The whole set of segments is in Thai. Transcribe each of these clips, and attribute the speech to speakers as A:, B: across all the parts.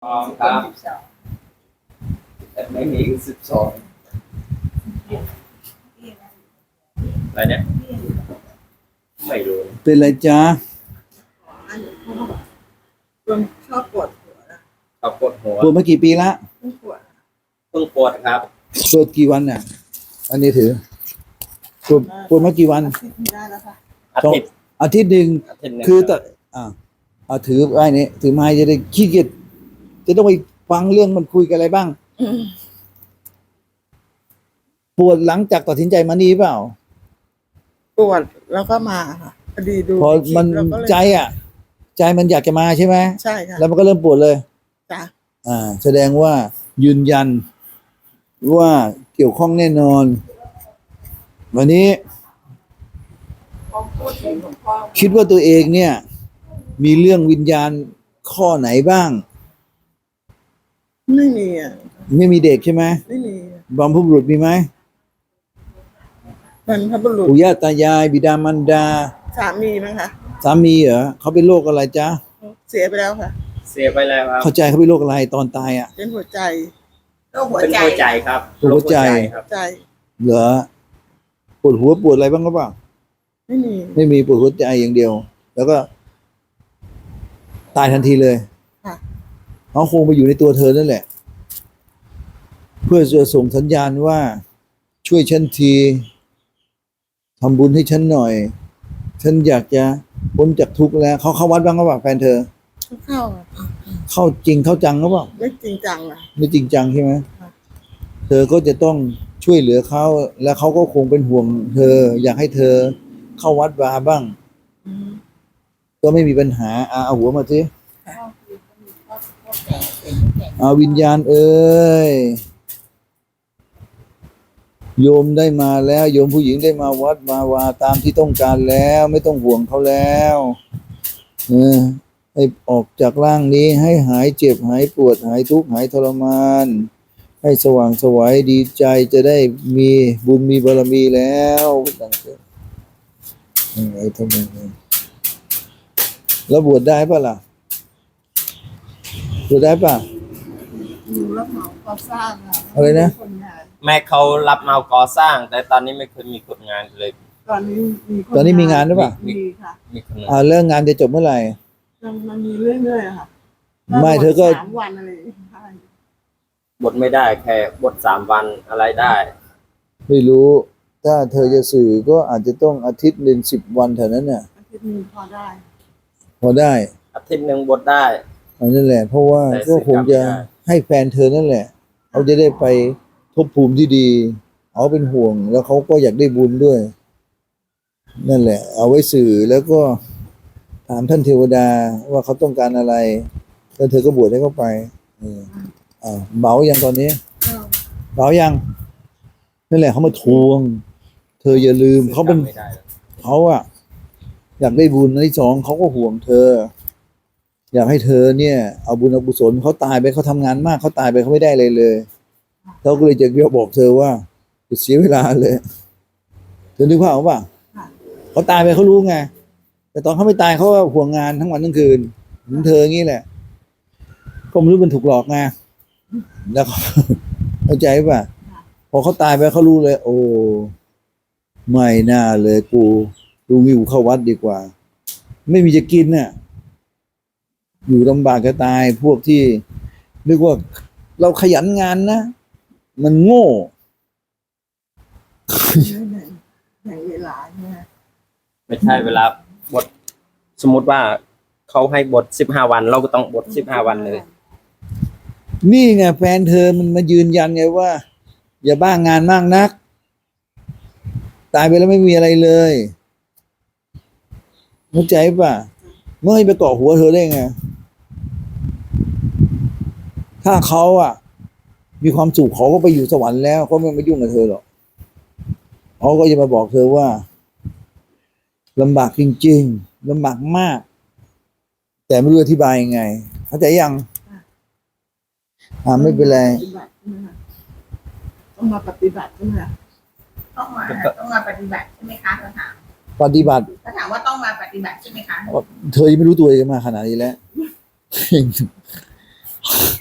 A: อ๋อครับแต่ไม่มี12อะไรเนี่ยไม่รู้
B: เป็นไรจ๊ะ
C: ชอบปวดหัวนะ
A: ครับปวดหัว
B: ปวดมากี่ปีละ
C: ปวด
A: เพิ่งปวดครับ
B: ปวดกี่วันเนี่ยอันนี้ถือปวดมากี่วัน
C: อาทิตย์ไม่ได้แล้วค่ะ
A: อาทิตย์
B: อาทิตย์หนึ่ง
A: อาทิตย์หนึง
B: คือ
A: ค
B: แต่
A: รับ
B: เอาถือไว้นี่ถือไม้จะได้ขี้เกียจจะต้องไปฟังเรื่องมันคุยกันอะไรบ้าง ปวดหลังจากตัดสินใจมานี่เปล่า
C: ปวดแล้วก็มาค่ะพอดีดู
B: พอมัน
C: แล้วก็เลย
B: ใจใจมันอยากจะมาใช่ไหม
C: ใช่ค่ะ
B: แล้วมันก็เริ่มปวดเลย
C: จ้ะ
B: แสดงว่ายืนยันว่าเกี่ยวข้องแน่นอน วันนี้คิดว่าตัวเองเนี่ย มีเรื่องวิญญาณข้อไหนบ้าง
C: ไม่มีอ่ะ
B: ไม่มีเด็กใช่ไหม
C: ไม่มี
B: บรรพบุรุษมีไหม
C: บรรพบุรุษ
B: ปู่ย่าตายายบิดามารดา
C: สามีมั้งคะ
B: สามีเหรอเขาเป็นโรคอะไรจ๊ะ
C: เสียไปแล้วค่ะ
A: เสียไปแล้วครับ
B: เข้าใจเขาเป็นโรคอะไรตอนตายอ่ะ
C: เป็นหัวใจ
A: เป็นหัวใจครับ
B: หัวใจ
A: ครับ
C: ใจ
B: เหรอปวดหัวปวดอะไรบ้างหรือเปล่า
C: ไม่มี
B: ไม่มีปวดหัวใจอย่างเดียว แล้วก็ ตายทันทีเลย
C: ค่ะ
B: เขาคงไปอยู่ในตัวเธอนั่นแหละ เพื่อจะส่งสัญญาณว่า ช่วยฉันทีทำบุญให้ฉันหน่อย ฉันอยากจะพ้นจากทุกข์แล้วเขาเข้าวัดบ้างหรือเปล่าแฟนเธอ
C: เข้าอะ
B: เข้าจริงเข้าจังหรือเปล่า
C: ไม่จริงจังอ่ะ
B: ไม่จริงจังใช่ไหม
C: ค่ะ
B: เธอก็จะต้องช่วยเหลือเขาแล้วเขาก็คงเป็นห่วงเธอ อยากให้เธอเข้าวัดวาบ้าง
C: อืม
B: ก็ไม่มีปัญหาเอาหัวมาสิเอาวิญญาณเอ้ยโยมได้มาแล้ว โยมผู้หญิงได้มาวัดมาวาตามที่ต้องการแล้ว ไม่ต้องห่วงเขาแล้วให้ออกจากร่างนี้ให้หายเจ็บหายปวดหายทุกข์หายทรมาน ให้สว่างไสวัยดีใจจะได้มีบุญมีบารมีแล้วตั้งแต่ไอ้ทำไมแล้วบวชได้ปะล่ะบวชได้ปะ
C: อยู่รับเหมาก่อสร้างอ่ะ
B: อะไรนะ
C: คนงาน
A: แม่เขารับเหมาก่อสร้าง แต่ตอนนี้ไม่เคยมีคนงานเลย
C: ตอนนี้มีค
B: ตอนนี้มีงานหรือเปล่า
C: มีค่ะ
A: มีคนงาน
B: เรื่องงานจะจบเมื่อไหร่
C: มันมีเรื่อยๆอะค่ะ
B: ไม่เธอก็
C: 3 วันอะไรอย่างเงี้ยใช่
A: บทไม่ได้แค่บท3 วันอะไรได้
B: ไม่รู้ ถ้าเธอจะสื่อก็อาจจะต้องอาทิตย์หนึ่ง10 วันเท่านั้นน่ะ
C: อาทิตย์หนึงพอได้
B: พอได้
A: อาทิตย์หนึ่งบทได้
B: อันนั่นแหละ เพราะว่า
A: แต่
B: ก็คงจะ
A: สื่อกลับไม่ได้
B: ให้แฟนเธอนั่นแหละเขาจะได้ไปภพภูมิที่ดีเขาเป็นห่วง แล้วเขาก็อยากได้บุญด้วย นั่นแหละ เอาไว้สื่อแล้วก็ถามท่านเทวดาว่าเขาต้องการอะไร แล้วเธอก็บวชให้เขาไปเบาอย่างตอนนี้ เบายังนั่นแหละเขามาทวง เธออย่าลืมเขาเป็น
A: ไม่ได้เลย
B: เขาอยากได้บุญในที่สองเขาก็ห่วงเธอ อยากให้เธอเนี่ย เอาบุญเอากุศลเขาตายไปเขาทำงานมากเขาตายไปเขาไม่ได้เลยเลยเขาก็เลยจะบอกเธอว่าจะเสียเวลาเลยเธอนึกภาพออกป่ะ
C: ค่ะ
B: เขาตายไปเขารู้ไงแต่ตอนเขาไม่ตายเขาก็ห่วงงานทั้งวันทั้งคืนเหมือนเธองี้แหละก็ไม่รู้มันถูกหลอกไงแล้วเขา เข้าใจป่ะพอเขาตายไปเขารู้เลย โอ้ไม่น่าเลยกูดูวิวเข้าวัดดีกว่า ไม่มีจะกินน่ะอยู่ลำบากจะตายพวกที่นึกว่าเราขยันงานนะมันโง่
C: ในเวลาเนี่ย
A: ไม่ใช่เวลาบทสมมติว่าเขาให้บท15 วัน เราก็ต้องบท15 วันเลย
B: นี่ไงแฟนเธอมันมายืนยันไงว่า อย่าบ้างานมากนัก ตายไปแล้วไม่มีอะไรเลยเข้าใจป่ะเมื่อให้ไปเกาะหัวเธอได้ไงถ้าเขามีความสุขเขาก็ไปอยู่สวรรค์แล้วเขาไม่มายุ่งกับเธอหรอกเขาก็จะมาบอกเธอว่าลำบากจริงๆลำบากมาก แต่ไม่รู้อธิบายยังไงเข้าใจยังไม่เป็นไร
C: ต้องมาปฏิบัติใช่ไหมคะ
D: ต้องมาปฏิบัติใช่ไหมคะเขาถาม
B: ปฏิบัติ
D: เขาถามว่าต้องมาปฏิบัติใช่ไหมคะ
B: เธอยังไม่รู้ตัวเองมาขนาดนี้แล้ว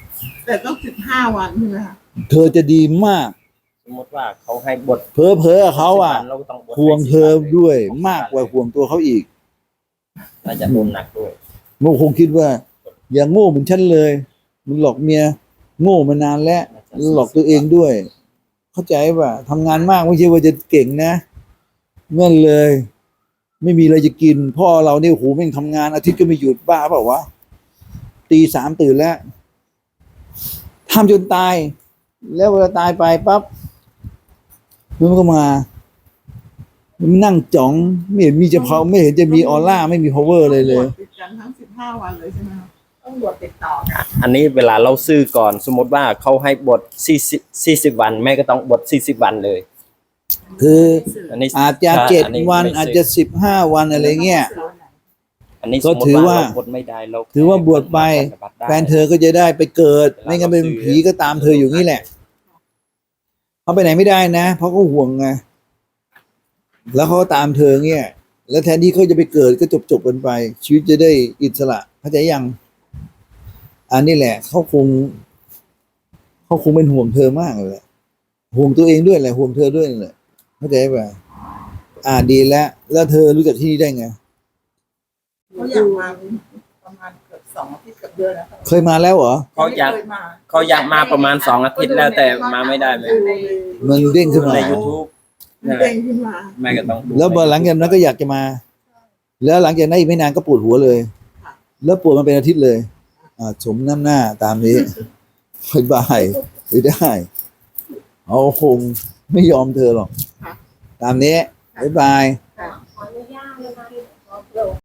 C: แต่ต้อง15 วันใช่ไหมคะ
B: เธอจะดีมาก
A: สมมติว่าเขาให้บท
B: เพ้อเขาอ่ะ
A: 10 วันเราก็ต้องบท
B: ห่วงเธอ
A: 10
B: ด้วย
A: เลย
B: มากกว่าห่วงตัวเขาอีก
A: น่าจะโดนหนักด้วย
B: มันคงคิดว่า อย่าโง่เหมือนฉันเลยมึงหลอกเมียโง่มานานแล้วหลอกตัวเองด้วย เข้าใจป่ะทำงานมากไม่ใช่ว่าจะเก่งนะเงื่อนเลย ไม่มีอะไรจะกิน พ่อเราเนี่ยโอ้โหแม่งทำงานอาทิตย์ก็ไม่หยุดบ้าเปล่าวะตี 3ตื่นแล้วทำจนตาย แล้วเวลาตายไปปั๊บมันก็มามันนั่งจ๋องไม่เห็นมีจะพาไม่เห็นจะมีออร่าไม่มี power เลยเลย
C: ติดกันทั้ง15 วันเลยใช่ไหมคะ
D: ต้องบวชติดต่อกัน
A: อันนี้เวลาเราซื้อก่อน สมมติว่าเขาให้บท40 วัน แม่ก็ต้องบท40 วันเลย
B: คือ
A: อันนี้
B: อาจจะ
A: ใช่
B: 7 วัน
A: ไม่ซื้
B: อาจจะ15 วันอะไรเงี้ย
A: อันนี้
B: ก็
A: สมม
B: ถื
A: ติ
B: อ
A: ว่า
B: ว่า
A: เราบทไม่ได้เรา
B: ถือว่าบวชไป
A: ปฏิบัติได้
B: แฟนเธอก็จะได้ไปเกิด ไม่งั้นเป็นผีก็ตามเธออยู่นี่แหละเขาไปไหนไม่ได้นะ เพราะเขาห่วงไงแล้วเขาก็ตามเธอเงี้ยแล้วแทนที่เขาจะไปเกิดก็จบกันไป ชีวิตจะได้อิสระเข้าใจยัง อันนี้แหละเขาคงเป็นห่วงเธอมากเลยแหละห่วงตัวเองด้วยแหละห่วงเธอด้วยแหละเข้าใจป่ะดีแล้วเธอรู้จักที่นี่ได้ไง
C: เขาอยากมาประมาณเกือบ2 อาทิตย์กับเดือนแล้วค่ะ
B: เคยมาแล้วเหรอ
A: เขาอยาก
C: ไม่คมา
A: เขาอยากมาประมาณ2 อาทิตย์แล้วแต่มาไม่ได้เลย
B: มันเด้งขึ้นมา
A: ใน YouTube
C: มันเด้งขึ้นมา
A: แม่ก็ต้องดู
B: แล้วหลังจากนั้นก็อยากจะมา แล้วหลังจากนั้นอีกไม่นานก็ปวดหัวเลย แล้วปวดมาเป็นอาทิตย์เลย สมน้ำหน้าตามนี้บายไม่ได้เอาคงไม่ยอมเธอหรอก ตามนี้บ๊ายบาย
D: ขออนุญาตนะคะ